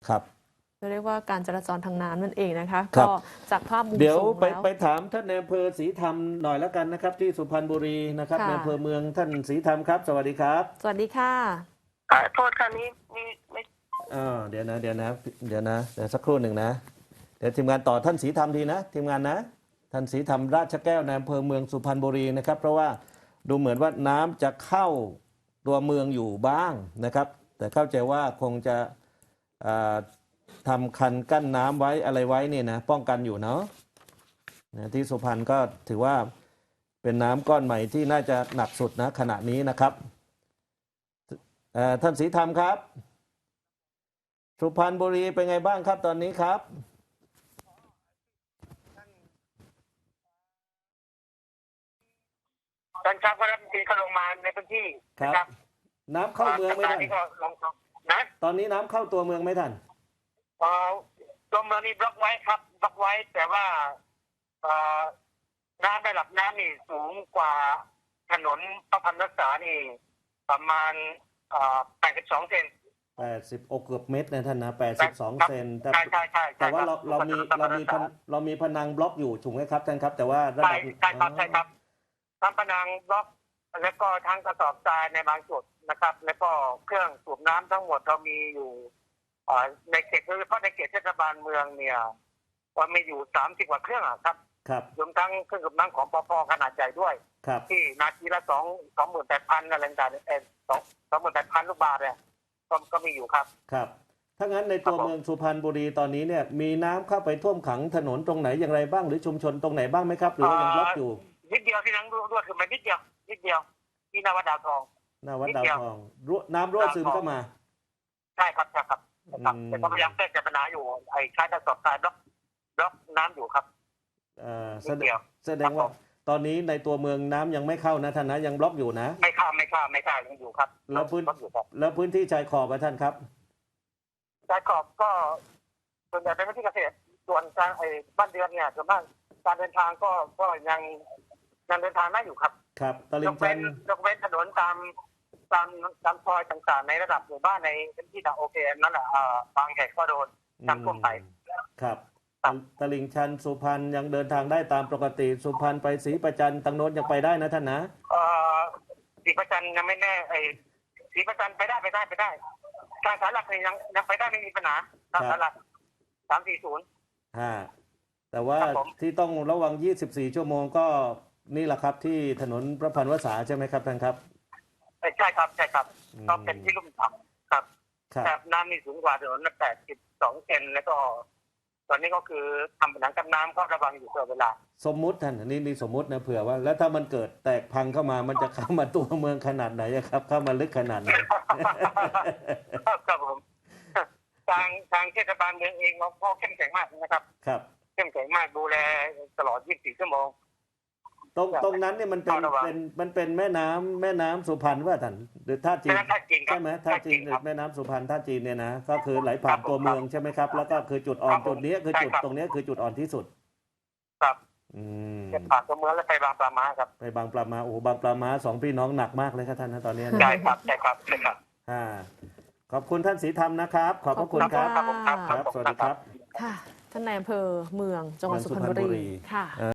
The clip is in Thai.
ครับเรียกว่าการจราจรทางน้ำนั่นเองนะคะครัก็บจากภาพมุมเดี๋ยวสูงแล้วไปถามท่านในอำเภอศรีธรรมหน่อยแล้วกันนะครับ ที่สุพรรณบุรีนะครับค่ะในอำเภอเมืองท่านศรีธรรมครับ สวัสดีครับสวัสดีค่ะโทษค่ะนี้มีไม่เดี๋ยวสักครู่หนึ่งนะเดี๋ยวทีมงานต่อท่านศรีธรรมทีนะทีมงานนะท่านศรีธรรมราชแก้วในอำเภอเมืองสุพรรณบุรีนะครับ เพราะว่าดูเหมือนว่าน้ำจะเข้าตัวเมืองอยู่บ้างนะครับ แต่เข้าใจว่าคงจะทำคันกั้นน้ำไว้อะไรไว้เนี่ยนะป้องกันอยู่เนาะที่สุพรรณก็ถือว่าเป็นน้ำก้อนใหม่ที่น่าจะหนักสุดนะขณะนี้นะครับท่านศรีธรรมครับสุพรรณบุรีเป็นไงบ้างครับตอนนี้ครับตอนเช้าก็รับทีเขาลงมาในพื้นที่ครับ น้ำเข้าเมืองไหมท่านที่ก็ลงนะตอนนี้น้ำเข้าตัวเมืองไหมท่านตัวเมืองนี่บล็อกไว้ครับบล็อกไว้แต่ว่าน้ำระดับน้ำนี่สูงกว่าถนนพระพันรักษานี่ประมาณ82 เซน 80เกือบเมตรนะท่านนะ82 เซนแต่ใช่แต่ว่าเรามีพนังบล็อกอยู่ถูกไหมครับท่านครับแต่ว่าระดับใช่ครับทั้งผนังบล็อกแล้วก็ทั้งกระสอบทรายในบางจุดนะครับ แล้วก็เครื่องสูบน้ำทั้งหมดเรามีอยู่ในเขตโดยเฉพาะในเขตเทศบาลเมืองเนี่ยว่ามีอยู่30 กว่าเครื่องครับรวมทั้งเครื่องสูบน้ำของปภขนาดใหญ่ด้วยที่นาทีละ28,000อะไรต่างๆ28,000 ลูกบาศก์เนี่ยก็มีอยู่ครับครับถ้างั้นในตัวเมืองสุพรรณบุรีตอนนี้เนี่ยมีน้ำเข้าไปท่วมขังถนนตรงไหนอย่างไรบ้างหรือชุมชนตรงไหนบ้างไหมครับหรือว่ายังบล็อกอยู่นิดเดียวที่นั่งรั่วคือมันนิดเดียวที่นาวัดดาวทองน้ำรั่วซึมเข้ามาใช่ครับแต่ก็พยายามแก้ปัญหาอยู่ใช้กระสอบทรายบล็อกน้ำอยู่ครับแสดงว่าตอนนี้ในตัวเมืองน้ำยังไม่เข้านะท่านนะยังบล็อกอยู่นะไม่เข้ายังอยู่ครับแล้วพื้นที่ชายขอบท่านครับชายขอบก็ส่วนใหญ่เป็นพื้นที่เกษตรส่วนการบ้านเรือนเนี่ยส่วนมากการเดินทางก็ยังเดินทางได้อยู่ครับครับตลิ่งชันยกเว้นถนนตามซอยต่างๆในระดับหมู่บ้านในพื้นที่โอเคนั่นแหละบางแห่งก็โดนน้ำท่วมไปครับตลิ่งชันสุพรรณยังเดินทางได้ตามปกติสุพรรณไปศรีประจันตังโน้นยังไปได้นะท่านนะศรีประจันยังไม่แน่ศรีประจันไปได้การสารหลักยังไปได้ไม่มีปัญหาการสารหลัก340 แต่ว่าที่ต้องระวัง24 ชั่วโมงก็นี่แหละครับที่ถนนพระพันวษาใช่ไหมครับท่านครับใช่ครับก็เป็นที่ลุ่มต่ำครับแต่น้ำมีสูงกว่าถนน82 เซนแล้วก็ตอนนี้ก็คือทำผนังกันน้ำก็ระวังอยู่ตลอดเวลาสมมุติท่านนี่สมมุตินะเผื่อว่าแล้วถ้ามันเกิดแตกพังเข้ามามันจะเข้ามาตัวเมืองขนาดไหนครับเข้ามาลึกขนาดไหนครับผมทางเทศบาลเมืองเองเราก็เข้มแข็งมากนะครับเข้มแข็งมากดูแลตลอด24 ชั่วโมงตรงนั้นเนี่ยมันเป็นแม่น้ำสุพรรณว่าท่านหรือท่าจีนใช่ไหมท่าจีนแม่น้ำสุพรรณท่าจีนเนี่ยนะก็คือไหลผ่านตัวเมืองใช่ไหมครับแล้วก็คือจุดอ่อนจุดนี้คือจุดตรงนี้คือจุดอ่อนที่สุดครับผ่านตัวเมืองแล้วไปบางปลาม้าครับไปบางปลาม้าโอ้บางปลาม้า2 พี่น้องหนักมากเลยครับท่านนะตอนนี้ใช่ครับขอบคุณท่านศรีธรรมนะครับขอบพระคุณครับสวัสดีครับค่ะท่านนายอำเภอเมืองจังหวัดสุพรรณบุรีค่ะ